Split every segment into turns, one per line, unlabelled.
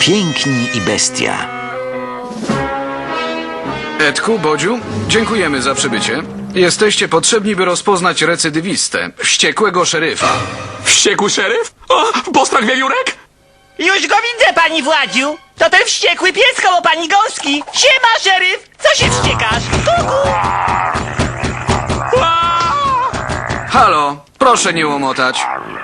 Piękni i bestia.
Edku, Bodziu, dziękujemy za przybycie. Jesteście potrzebni, by rozpoznać recydywistę, wściekłego szeryfa.
Wściekły szeryf? O, postrach wiewiórek?
Już go widzę, pani Władziu! To ten wściekły pies koło pani Gąski! Siema, szeryf! Co się wściekasz? Kuku!
Halo, proszę nie łomotać.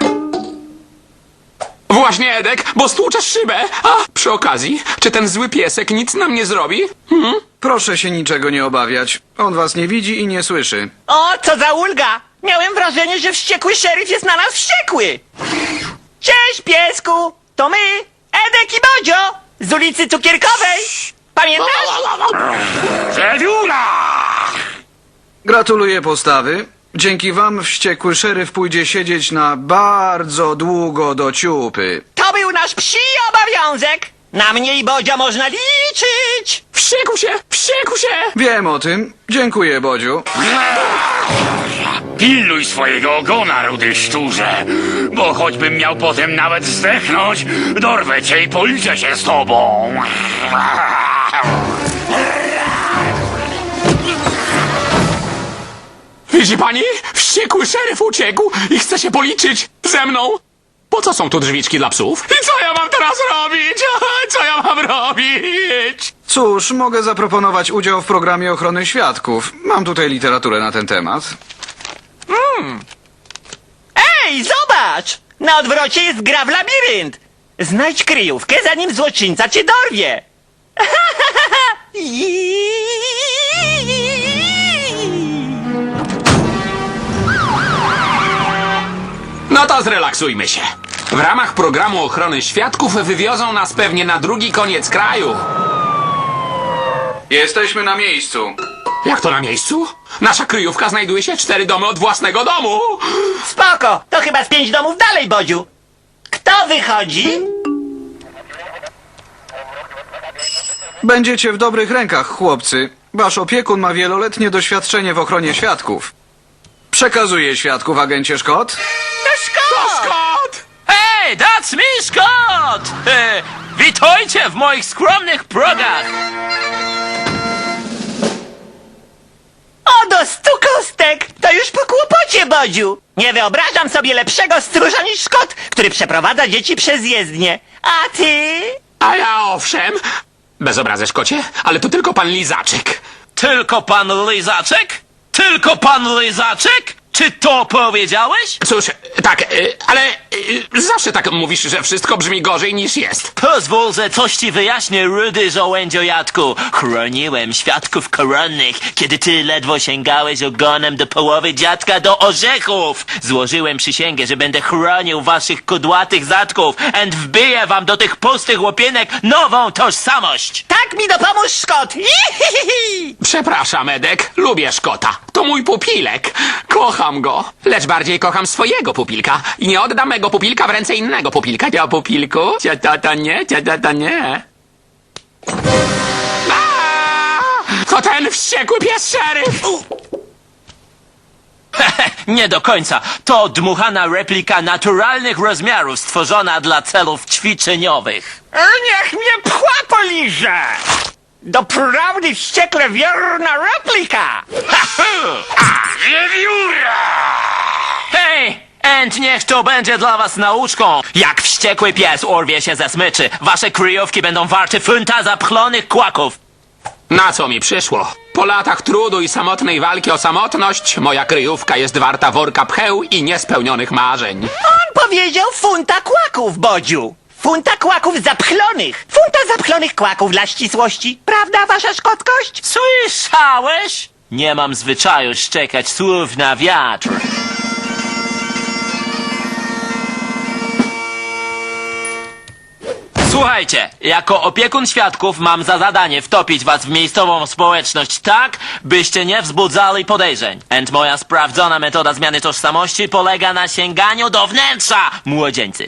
Właśnie, Edek, bo stłuczesz szybę. A, przy okazji, czy ten zły piesek nic nam nie zrobi?
Proszę się niczego nie obawiać. On was nie widzi i nie słyszy.
O, co za ulga! Miałem wrażenie, że wściekły szeryf jest na nas wściekły! Cześć, piesku! To my, Edek i Bodzio! Z ulicy Cukierkowej! Pamiętasz?
Wiewióra!
Gratuluję postawy. Dzięki wam wściekły szeryf pójdzie siedzieć na bardzo długo do ciupy.
To był nasz psi obowiązek! Na mnie i Bodzia można liczyć!
Wściekł się! Wściekł się!
Wiem o tym. Dziękuję, Bodziu.
Pilnuj swojego ogona, rudy szczurze, bo choćbym miał potem nawet zdechnąć, dorwę cię i policzę się z tobą.
Widzi pani? Wściekły szeryf uciekł i chce się policzyć ze mną. Po co są tu drzwiczki dla psów? I co ja mam teraz robić? Co ja mam robić?
Cóż, mogę zaproponować udział w programie ochrony świadków. Mam tutaj literaturę na ten temat.
Ej, zobacz! Na odwrocie jest gra w labirynt! Znajdź kryjówkę, zanim złoczyńca cię dorwie!
No to zrelaksujmy się. W ramach programu ochrony świadków wywiozą nas pewnie na drugi koniec kraju.
Jesteśmy na miejscu.
Jak to na miejscu? Nasza kryjówka znajduje się 4 domy od własnego domu.
Spoko, to chyba z 5 domów dalej, Bodziu. Kto wychodzi?
Będziecie w dobrych rękach, chłopcy. Wasz opiekun ma wieloletnie doświadczenie w ochronie świadków. Przekazuję świadków, agencie Scott.
Scott!
Hej, that's me, Scott! Witajcie w moich skromnych progach!
O, do 100 kostek! To już po kłopocie, Bodziu! Nie wyobrażam sobie lepszego stróża niż Scott, który przeprowadza dzieci przez jezdnię. A ty?
A ja owszem. Bez obrazy, Szkocie, ale to tylko pan Lizaczek.
Tylko pan Lizaczek? Tylko pan Lizaczek? Czy to powiedziałeś?
Cóż, tak, ale zawsze tak mówisz, że wszystko brzmi gorzej niż jest.
Pozwól, że coś ci wyjaśnię, rudy żołędziojadku. Chroniłem świadków koronnych, kiedy ty ledwo sięgałeś ogonem do połowy dziadka do orzechów. Złożyłem przysięgę, że będę chronił waszych kudłatych zadków and wbiję wam do tych pustych łopienek nową tożsamość.
Tak mi dopomóż, Scott!
Przepraszam, Edek, lubię Szkota. To mój pupilek. Kocham go, lecz bardziej kocham swojego pupilka. I nie oddam mego pupilka w ręce innego pupilka. Ja pupilku? Ciata nie, ciata nie. To ten wściekły pies szeryf!
Nie do końca. To dmuchana replika naturalnych rozmiarów stworzona dla celów ćwiczeniowych.
Niech mnie pchła poliże! Doprawdy wściekle wierna replika!
Wiewióra!
Hej! And niech to będzie dla was nauczką. Jak wściekły pies urwie się ze smyczy, wasze kryjówki będą warte funta zapchlonych kłaków.
Na co mi przyszło? Po latach trudu i samotnej walki o samotność, moja kryjówka jest warta worka pcheł i niespełnionych marzeń.
On powiedział funta kłaków, Bodziu! Funta kłaków zapchlonych! Funta zapchlonych kłaków dla ścisłości. Prawda, wasza szkotkość?
Słyszałeś? Nie mam zwyczaju szczekać słów na wiatr. Słuchajcie, jako opiekun świadków mam za zadanie wtopić was w miejscową społeczność tak, byście nie wzbudzali podejrzeń. And moja sprawdzona metoda zmiany tożsamości polega na sięganiu do wnętrza, młodzieńcy.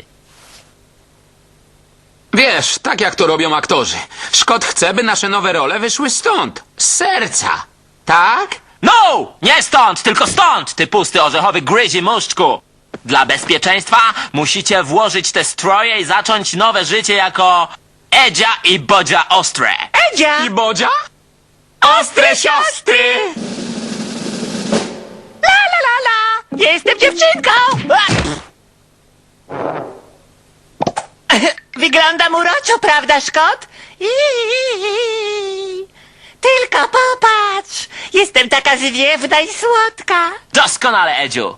Wiesz, tak jak to robią aktorzy. Szkot chce, by nasze nowe role wyszły stąd. Z serca. Tak?
No! Nie stąd, tylko stąd, ty pusty orzechowy gryzi muszczku! Dla bezpieczeństwa musicie włożyć te stroje i zacząć nowe życie jako Edzia i Bodzia Ostre.
Edzia!
I Bodzia? Ostre siostry!
La la la la! Jestem dziewczynką! Wyglądam uroczo, prawda, Szkot? Tylko popatrz! Jestem taka zwiewna i słodka.
Doskonale, Edziu.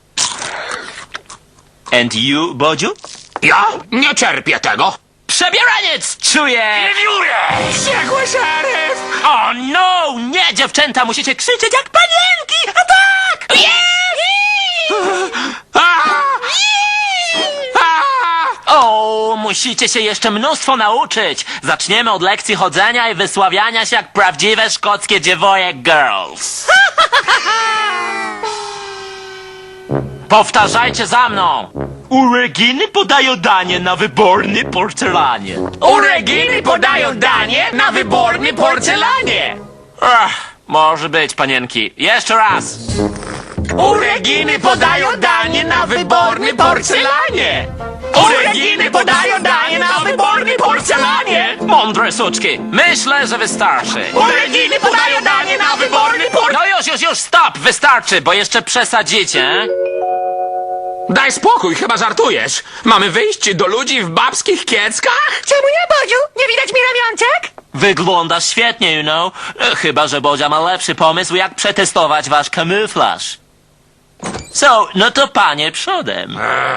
And you, Bodziu?
Ja nie cierpię tego.
Przebieraniec! Czuję!
Wściekły szeryf!
O no! Nie, dziewczęta, musicie krzyczeć jak panienki! A tak! O, musicie się jeszcze mnóstwo nauczyć. Zaczniemy od lekcji chodzenia i wysławiania się jak prawdziwe szkockie dziewoje girls. Powtarzajcie za mną. U Reginy podają danie na wyborny porcelanie.
U Reginy podają danie na wyborny porcelanie.
Może być, panienki. Jeszcze raz.
U Reginy podają danie na wyborny porcelanie. U Reginy podają danie na wyborny porcelanie.
Mądre suczki. Myślę, że wystarczy.
U Reginy podają danie na wyborny porcelanie.
No już, stop! Wystarczy, bo jeszcze przesadzicie.
Daj spokój, chyba żartujesz. Mamy wyjść do ludzi w babskich kieckach?
Czemu nie, Bodziu? Nie widać mi ramionczek?
Wyglądasz świetnie, you know. Chyba, że Bodzia ma lepszy pomysł, jak przetestować wasz kamuflaż. So, no to panie przodem.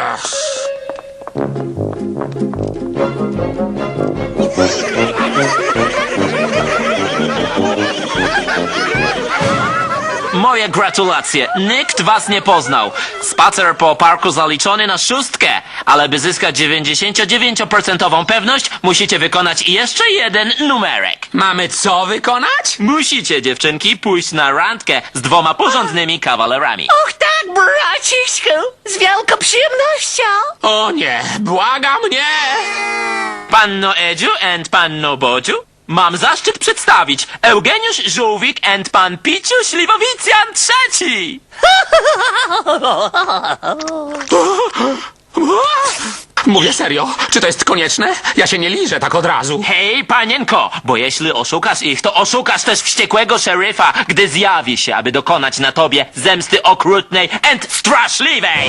Moje gratulacje. Nikt was nie poznał. Spacer po parku zaliczony na 6, ale by zyskać 99% pewność, musicie wykonać jeszcze jeden numerek.
Mamy co wykonać?
Musicie, dziewczynki, pójść na randkę z 2 porządnymi kawalerami.
Och tak, braciszku! Z wielką przyjemnością!
O nie, błagam nie!
Panno Edziu and panno Bodziu, mam zaszczyt przedstawić Eugeniusz Żółwik and pan Piciu Śliwowicjan III.
Mówię serio, czy to jest konieczne? Ja się nie liżę tak od razu.
Hej, panienko, bo jeśli oszukasz ich, to oszukasz też wściekłego szeryfa, gdy zjawi się, aby dokonać na tobie zemsty okrutnej and straszliwej.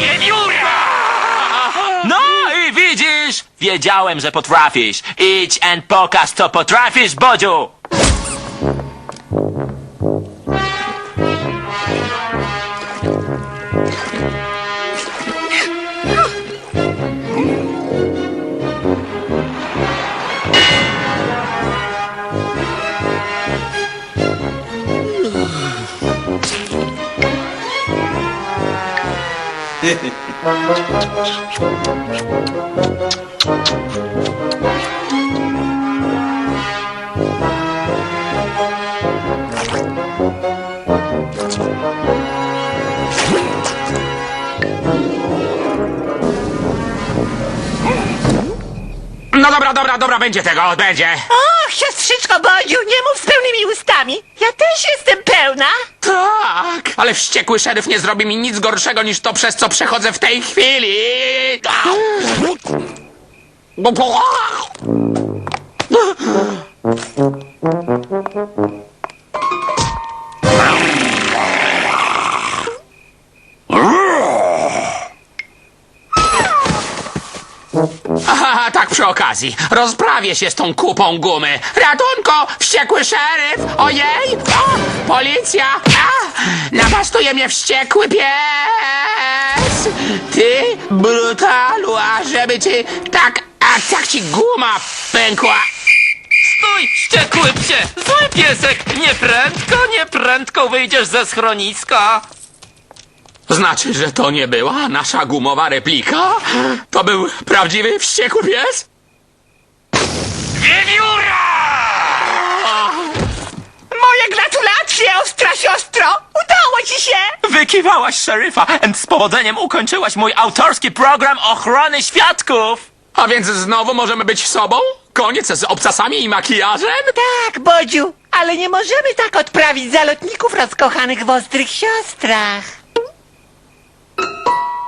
No i widzisz, wiedziałem, że potrafisz. Idź and pokaż, co potrafisz, Bodziu.
No dobra, będzie tego, będzie.
Och, siostrzyczko Bodziu, nie mów z pełnymi ustami! Ja też jestem pełna!
Tak, ale wściekły szeryf nie zrobi mi nic gorszego niż to, przez co przechodzę w tej chwili. Aha, tak przy okazji. Rozprawię się z tą kupą gumy. Ratunko! Wściekły szeryf! Ojej! O, policja! A, napastuje mnie wściekły pies! Ty, brutalu, a żeby ci tak ci guma pękła.
Stój, wściekły psie! Zły piesek! Nieprędko wyjdziesz ze schroniska!
Znaczy, że to nie była nasza gumowa replika? To był prawdziwy wściekły pies?
Moje gratulacje, ostra siostro! Udało ci się!
Wykiwałaś szeryfa and z powodzeniem ukończyłaś mój autorski program ochrony świadków!
A więc znowu możemy być sobą? Koniec z obcasami i makijażem?
Tak, Bodziu, ale nie możemy tak odprawić zalotników rozkochanych w ostrych siostrach.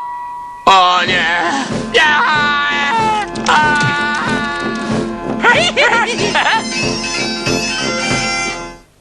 O nie! Ja! A! tak!